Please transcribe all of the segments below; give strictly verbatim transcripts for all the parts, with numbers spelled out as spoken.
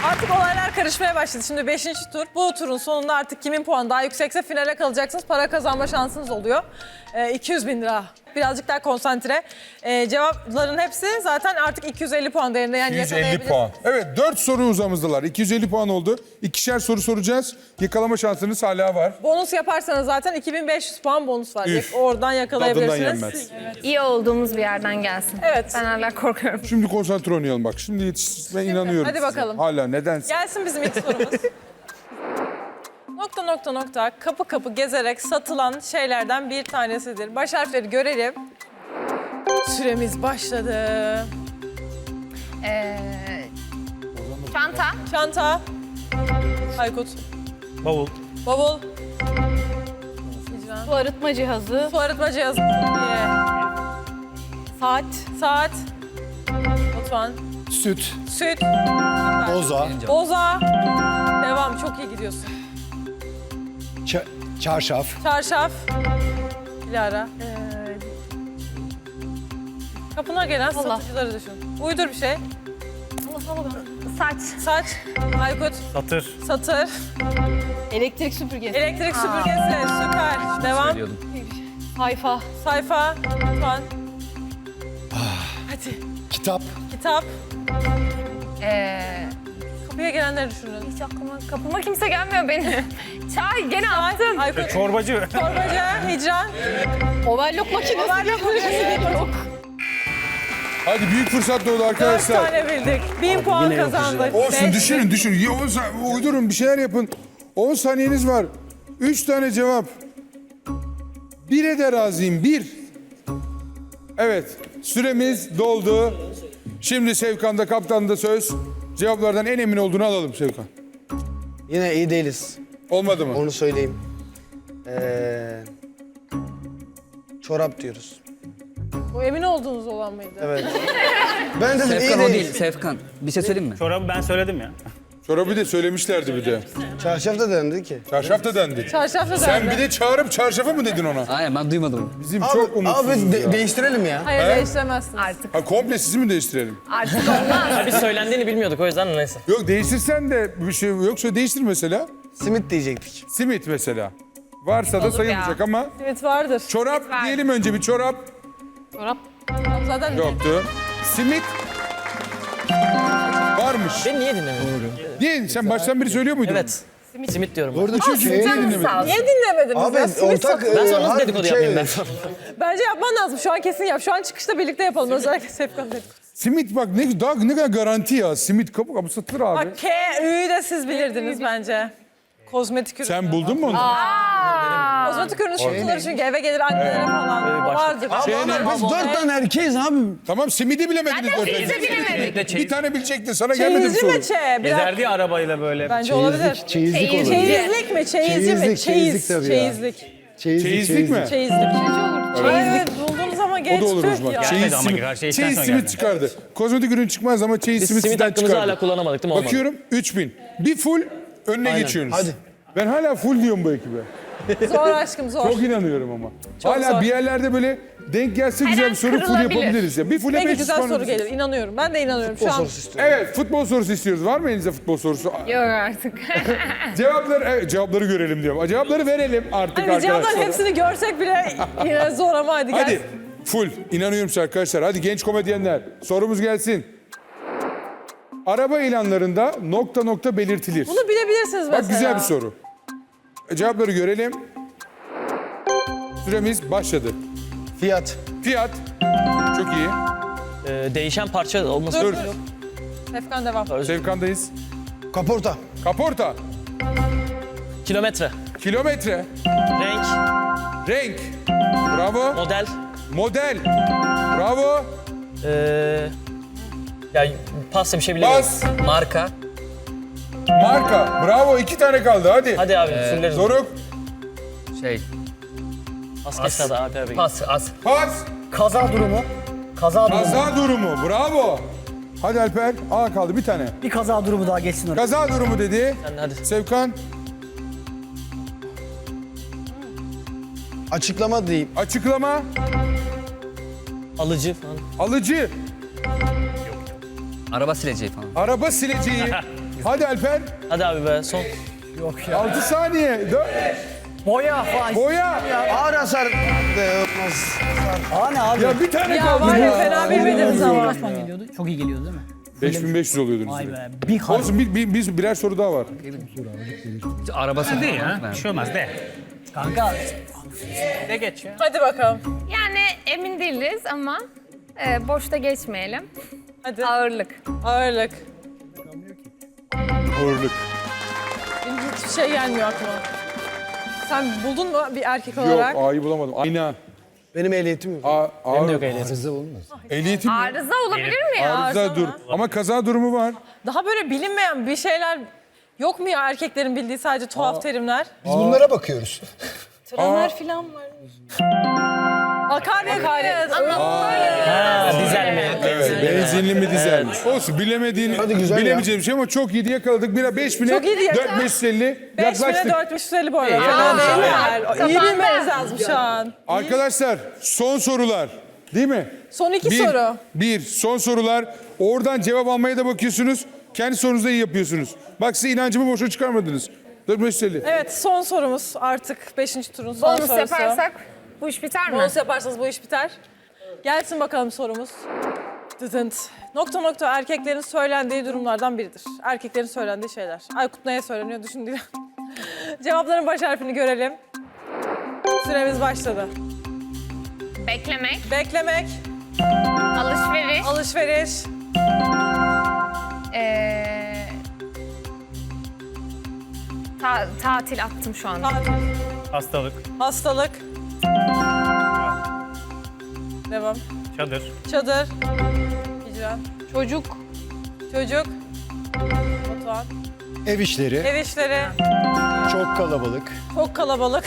Artık olaylar karışmaya başladı. Şimdi beşinci tur. Bu turun sonunda artık kimin puanı daha yüksekse finale kalacaksınız. Para kazanma şansınız oluyor. Ee, iki yüz bin lira. Birazcık daha konsantre. Ee, cevapların hepsi zaten artık iki yüz elli puan değerinde. Yani iki yüz elli yakalayabilirsiniz. puan. Evet, dört soru uzamızdılar. iki yüz elli puan oldu. İkişer soru soracağız. Yakalama şansınız hala var. Bonus yaparsanız zaten iki bin beş yüz puan bonus var. Üf. Oradan yakalayabilirsiniz. Tadından yenmez. İyi olduğumuz bir yerden gelsin. Evet. Ben hala korkuyorum. Şimdi konsantre oynayalım bak. Şimdi yetiş, ben inanıyorum hadi size. bakalım. Hala nedense. Gelsin bizim ilk sorumuz. Nokta nokta nokta kapı kapı gezerek satılan şeylerden bir tanesidir. Baş harfleri görelim. Süremiz başladı. Ee, çanta, Çanta. Aykut. Bavul. Bavul. Hicran. Su arıtma cihazı, Su arıtma cihazı. Ye. saat, Saat. Batuhan. Süt, Süt. boza, Boza. Devam. Çok iyi gidiyorsun. ça- çarşaf, Çarşaf. Dilara. Ee, kapına gelen Allah. satıcıları düşün. Uydur bir şey. Allah salla ben. saç, Saç. Aykut. Satır. Satır. Elektrik süpürgesi, Elektrik süpürgesi. Süper. Devam. sayfa, Sayfa. Lütfen. Hadi. kitap, Kitap. ee, Kapıya gelenleri düşünün. hiç aklıma, kapıma kimse gelmiyor benim. Çay, gene attım. Aykut. Çorbacı. Çorbacı. Hicran. overlock makinesi, Overlock makinesi. yok. Hadi büyük fırsat doğdu Dört arkadaşlar. tane bildik. Bin puan kazandık. Olsun Beş. düşünün düşünün. Ya, on sa- uydurun bir şeyler yapın. on saniyeniz var. üç tane cevap. Bire de razıyım. Bir. Evet. Süremiz doldu. Şimdi Sevkan'da kaptanında söz. Cevaplardan en emin olduğunu alalım Sevkan. Yine iyi değiliz. Olmadı mı? Onu söyleyeyim. Ee, çorap diyoruz. Bu emin olduğunuz olan mıydı? Evet. Ben dedim Sefkan iyi o değil. değil, Sefkan. Bir şey söyleyeyim mi? Çorabı ben söyledim ya. Çorabı da söylemişlerdi bir de. Çarşaf da dendi ki. Çarşaf da dendi. Çarşafla Sen dendi. bir de çağırıp çarşafı mı dedin ona? Aynen ben duymadım. Bizim Abi, çok umutsuzuz abi de- ya. değiştirelim ya. Hayır değiştiremezsiniz. Artık, Ha, komple sizi mi değiştirelim? artık olmaz. Biz söylendiğini bilmiyorduk o yüzden neyse. Yok değiştirsen de bir şey yoksa değiştir mesela. Simit diyecektik. Simit mesela. Varsa da Olur sayılacak ya. ama. Simit vardır. Çorap diyelim önce bir çorap. Çorap, Tamam, zaten Yoktu. Simit varmış. Beni niye dinlemiyorsun? Niye? Sen baştan beri söylüyor muydun? Evet. Simit, diyorum. ben. Burada çünkü Simit niye dinlemedin? Sağ ol. Niye dinlemediniz Abi ya? Simit ortak... satın. Ben e, sonra nasıl harbi dedikodu şey- yapayım ben sonra? Bence yapman lazım. Şu an kesin yap. Şu an çıkışta birlikte yapalım. Özellikle Sefkan dedikodu. Simit bak ne, daha, ne kadar garanti ya. Simit kapı kapı satılır abi. Bak K, Ü'yü de siz bilirdiniz bence. Kozmetik ürün. Sen buldun mu onu? Kozmetik ürünü satılır çünkü eve gelir annelere falan. Vardır. Abi, abi biz dört tane erkeğiz abi. Tamam simidi bilemediniz. dört Biz de tane. bilemedik. Bir tane bilecektin. Sana gelmedi mi Çeyizci soru? mi çe? Biraz... Gezerdi ya arabayla böyle. Bence olabilir. Çeyizlik olur. Çeyizlik mi? Çeyizci mi? Çeyizlik, Çeyiz. çeyizlik tabii ya. Çeyizlik. Çeyizlik, Çeyizlik mi? Çeyizlik. Evet, bulduğunuz ama O geç da olur o tüh zaman. ya. Çeyiz Gelmedi ama simit, her şey işten çeyiz sonra simit geldi. çıkardı. Kozmetik ürün çıkmaz ama çeyiz Biz simit simit sizden hakkımızı çıkardı. hala kullanamadık değil mi? Olmadı. Bakıyorum üç bin. Bir full önüne geçiyorsunuz. Hadi. Ben hala full diyorum bu ekibe. Zor aşkım zor. Çok inanıyorum ama. Çok hala zor. bir yerlerde böyle denk gelse Her güzel an bir soru full kırılabilir. yapabiliriz ya. Bir full'e Peki beş yüz güzel puan soru alırız. gelir. İnanıyorum. Ben de inanıyorum. Şu O an sorusu istiyorum. Evet futbol sorusu istiyoruz. Var mı elinizde futbol sorusu? Yok artık. Cevapları, evet, cevapları görelim diyorum. Cevapları verelim artık hani cevapların arkadaşlar. hepsini görsek bile yine zor ama hadi gel. Hadi full. İnanıyorum size arkadaşlar. Hadi genç komedyenler. Sorumuz gelsin. Araba ilanlarında nokta nokta belirtilir. Bunu bilebilirsiniz mesela. Bak güzel bir soru. E, Cevapları görelim. Süremiz başladı. Fiyat. Fiyat. Çok iyi. Ee, değişen parça olması Dur. Dur. Efkan devam. Sevkan'dayız. Kaporta. Kaporta. Kilometre, Kilometre. renk, Renk. Bravo. model, Model. Bravo. ee, ya pasta bir şey bilemiyorum. Bas. Marka. Marka. Bravo. İki tane kaldı. Hadi. Hadi abi fulleriz. Doruk. Şey, Pas geçti hadi abi abi. pas, as. Pas. Kaza durumu. Kaza durumu. Kaza durumu. Bravo. Hadi Alper. Aa kaldı bir tane. Bir kaza durumu daha geçsin oraya. Kaza durumu dedi. Sen de hadi. Sevkan. Açıklama diyeyim. Açıklama. Alıcı falan. Alıcı. Araba sileceği falan. Araba sileceği. Hadi Alper. Hadi abi be son. altı saniye. dört. Boya falan. Boya. Ağır hasar de olmaz. Aa ne abi? Ya bir tane Ya kaldı var ya ya. fena bilmediniz ama. Kaç puan geliyordu? Çok iyi geliyordu değil mi? beş bin beş yüz oluyordunuz. Vay be. Bir harf. Olsun bir, bir, bir- birer soru daha var. Araba satın. Değil ya. Bir şey olmaz de. Kanka De geç ya. Hadi bakalım. Yani emin değiliz ama e, boşta geçmeyelim. Hadi. Ağırlık. Ağırlık. Ağırlık. Benim hiçbir şey gelmiyor aklıma. Sen buldun mu bir erkek Yok olarak? A'yı bulamadım. Ayna. Benim ehliyetim yok. A, Benim de ağır. yok ehliyet. Ehliyetim yok. Arıza olabilir mi ya? Arıza Arıza dur. mı? Ama kaza durumu var. Daha böyle bilinmeyen bir şeyler yok mu ya erkeklerin bildiği sadece tuhaf terimler? Biz bunlara bakıyoruz. Tramer falan var. Akaryakıt. Ha, dizel mi? Evet, benzinli mi dizel mi? Olsun bilemediğin, Hadi güzel ya. bilemeyeceğim bir şey ama çok iyiydi yakaladık. Bir beş bine, Çok iyiydi ya. dört bin beş yüz elli beş bine yaklaştık. dört bin beş yüz elli bu arada. İyi, Fena yakalamış değiller. abi. İyi Kafanda. bilmeniz lazım şu an. Arkadaşlar son sorular değil mi? Son iki bir, soru. Bir, son sorular. Oradan cevap almaya da bakıyorsunuz. Kendi sorunuzu da iyi yapıyorsunuz. Bak size inancımı boşa çıkarmadınız. dört bin beş yüz elli. Evet son sorumuz artık beşinci turun son Bonus sorusu. yaparsak bu iş biter mi? Bonus yaparsanız bu iş biter. Gelsin bakalım sorumuz. Dıdınt. Nokta nokta erkeklerin söylendiği durumlardan biridir. Erkeklerin söylendiği şeyler. Aykut neye söyleniyor düşündüğü. Cevapların baş harfini görelim. Süremiz başladı. Beklemek, Beklemek, alışveriş, alışveriş, ee, ta- tatil attım şu anda. tatil, Hastalık, hastalık. Devam. çadır, Çadır. Hicran. Çocuk. Çocuk. Batuhan. Ev işleri, Ev işleri. çok kalabalık. Çok kalabalık.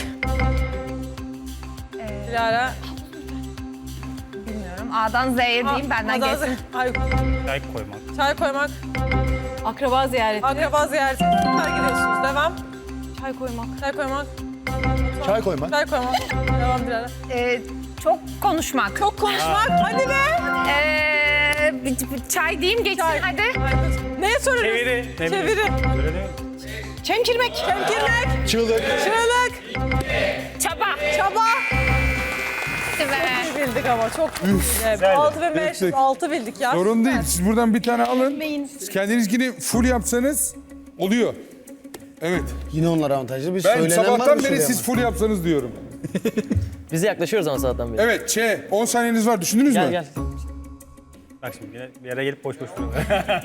Dilara. Bilmiyorum. A'dan Z'ye diyeyim benden Adan- geçsin. Ay, çay koymak, çay koymak. Akraba ziyareti. Akraba ziyareti. Süper gidiyorsunuz. Devam. Çay koymak. Çay koymak. Çay koymak. Çay koymak. Devam Dilara. Ee, çok konuşmak. Çok konuşmak. Hadi be. Ee, bir- bir çay diyeyim geçsin Çay. hadi. Aykut. Neye sorarız? çeviri, ne bileyim. Çeviri. Öyle değil mi? Çemkirmek. Temkinlik. Çığlık. Çığlık. Çaba. Çaba. Hadi be. İyi bildik ama çok evet, altı bin beş yüz Bildik. altı bildik ya. Sorun değil. Siz buradan bir tane alın. Siz kendininkini full yapsanız oluyor. Evet. Yine onlar avantajlı. Bir Ben söylenen var sabahtan mı beri şuraya siz ama? full yapsanız diyorum. Bize yaklaşıyoruz ama sabahtan beri. Evet Ç. on saniyeniz var. Düşündünüz Gel mü? gel. Bak şimdi yine bir yere gelip boş boş duruyor.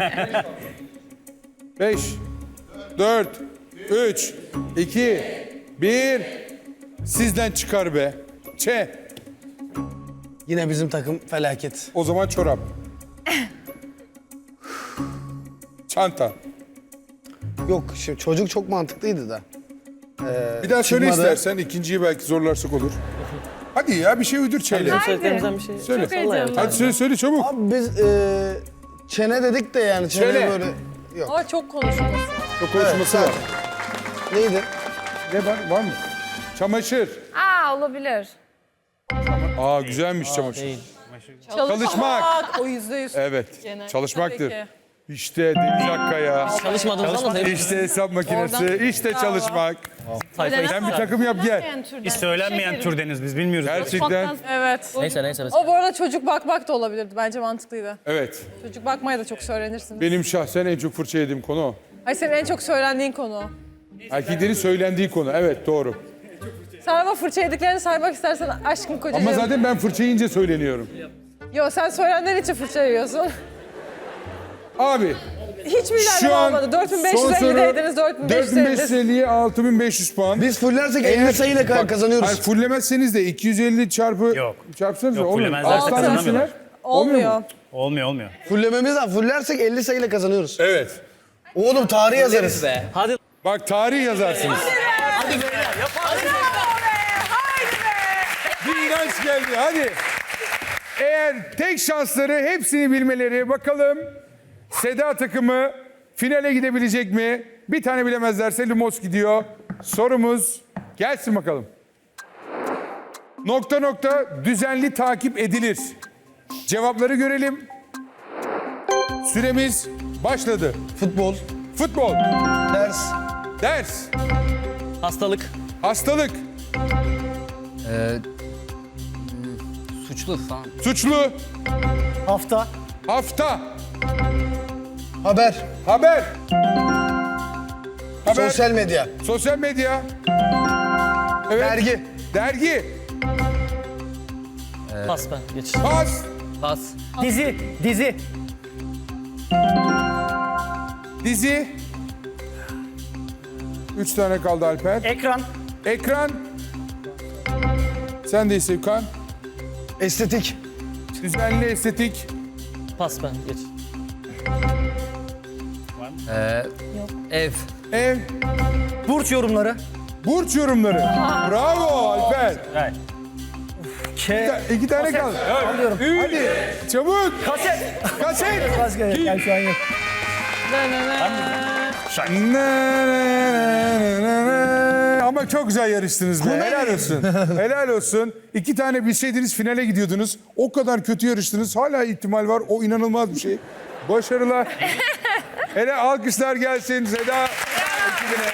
beş, dört, üç, iki, bir. Sizden çıkar be. Ç. Yine bizim takım felaket. O zaman çorap. Çanta. Yok şimdi çocuk çok mantıklıydı da. Bir daha söyle çıkmadı. istersen. ikinciyi belki zorlarsak olur. Hadi ya bir şey uydur Ç'yle. Bizim söylediklerimizden bir şey. Söyle. Vallahi Hadi söyle söyle çabuk. Abi biz e, çene dedik de yani çene Çene. böyle... Yok. Ama çok konuşulması. Çok konuşması Evet, var. Neydi? Ne var? Var mı? Çamaşır. Aa olabilir. Aa güzelmiş çamaşır. Değil. Çalışmak. O yüzde yüz. Evet. Tabii Çalışmaktır. ki. İşte Deniz Akkaya. Çalışmadığımızdan da İşte hesap makinesi. İşte çalışmak. sayfa Sen bir takım yap gel. Biz söylenmeyen türdeniz biz bilmiyoruz. Gerçekten. Evet. Neyse neyse. mesela. O bu arada çocuk bakmak da olabilirdi. Bence mantıklıydı. Evet. Çocuk bakmaya da çok söylenirsiniz. Benim şahsen en çok fırça yediğim konu o. Ay senin en çok söylendiğin konu o. Erkeklerin söylendiği konu. Evet doğru. Sen ama fırça yediklerini saymak istersen aşkım kocacığım. Ama zaten ben fırça yiyince söyleniyorum. Yo sen söylenenler için fırça yiyorsun. Abi Hiçbir ilerleme şu an olmadı. dört bin beş yüz son soru ellideydiniz, dört bin beş yüz dört bin beş yüz elli. elliye altı bin beş yüz puan. Biz fullersek elli sayıyla ka- Bak, kazanıyoruz. Hayır fullemezseniz de iki yüz elli çarpı Yok. çarpsanız da Yok, olmuyor. fullemezler, Altı tane kazanamıyorlar. misinler? Olmuyor mu? Olmuyor. Olmuyor olmuyor. Fullememiz lazım. Fullersek elli sayıyla kazanıyoruz. Evet. Oğlum tarih yazarız. Be. Hadi. Bak tarih yazarsınız. Bir inanç geldi hadi. Eğer tek şansları hepsini bilmeleri bakalım Seda takımı finale gidebilecek mi? Bir tane bilemezlerse Lumos gidiyor. Sorumuz gelsin bakalım. Nokta nokta düzenli takip edilir. Cevapları görelim. Süremiz başladı. Futbol. Futbol. Ders. Ders. Hastalık. Hastalık. Ee, hmm, suçlu falan. Suçlu. Hafta. Hafta. Haber. Haber. Haber. Sosyal medya. Sosyal medya. Evet. Dergi. Dergi. Pas ben. Geç. Pas. Pas. Dizi. Dizi. Dizi. Üç tane kaldı Alper. Ekran. Ekran. Sen de Sevkan. Estetik. Düzenli estetik. Pas ben. Geç. Ee, ev. Ev. Burç yorumları. Burç yorumları. Bravo Alper. Evet. K. İki tane kaldı. Alıyorum. Hadi çabuk. Kaset. Kaset. Başka yani şu an yok. Ne, ne, ne, ne, ne. Ama çok güzel yarıştınız be. Helal olsun. Helal olsun. İki tane bilseydiniz finale gidiyordunuz. O kadar kötü yarıştınız. Hala ihtimal var. O inanılmaz bir şey. Başarılar. Hele alkışlar gelsin Seda ekibine.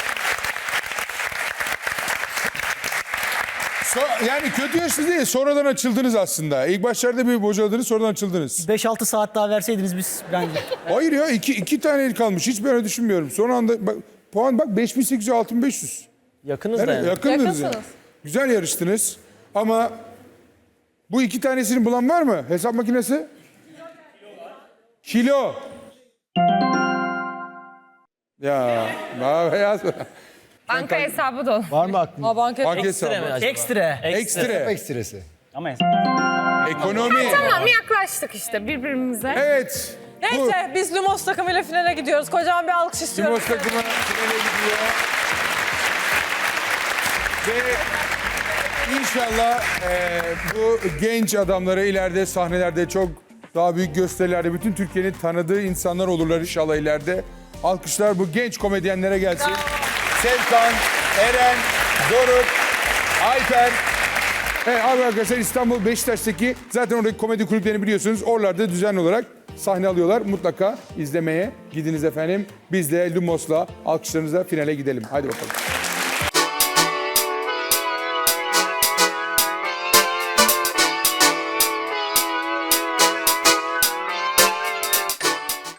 So- yani kötü yarıştınız değil, sonradan açıldınız aslında. İlk başlarda bir bocaladınız, sonradan açıldınız. beş altı saat daha verseydiniz biz bence. Hayır ya, iki, iki tane el kalmış. Hiç ben öyle düşünmüyorum. Son anda bak, puan bak beş bin sekiz yüz, altı bin beş yüz. Yakınız da Yani yani. yakındınız yani. Yakınsınız. Güzel yarıştınız. Ama bu iki tanesini bulan var mı? Hesap makinesi? Kilo. Ya, daha beyaz mı? Banka hesabı dolu. Var mı aklında? Aa, banket. Banka Ekstra mı hesabı. acaba? Ekstra. Ekstra. Ekstresi. Ama Ekonomi. Tamam yaklaştık işte birbirimize. Evet. Bu Neyse biz Lumos takımıyla finale gidiyoruz. Kocaman bir alkış istiyorum. Lumos takımı finale gidiyor. Ve inşallah e, bu genç adamları ileride sahnelerde çok daha büyük gösterilerde bütün Türkiye'nin tanıdığı insanlar olurlar inşallah ileride. Alkışlar bu genç komedyenlere gelsin. Sevkan, Eren, Doruk, Alper. Evet abi arkadaşlar, İstanbul Beşiktaş'taki zaten oradaki komedi kulüplerini biliyorsunuz. Oralarda düzenli olarak sahne alıyorlar. Mutlaka izlemeye gidiniz efendim. Biz de Lumos'la alkışlarınızla finale gidelim. Hadi bakalım.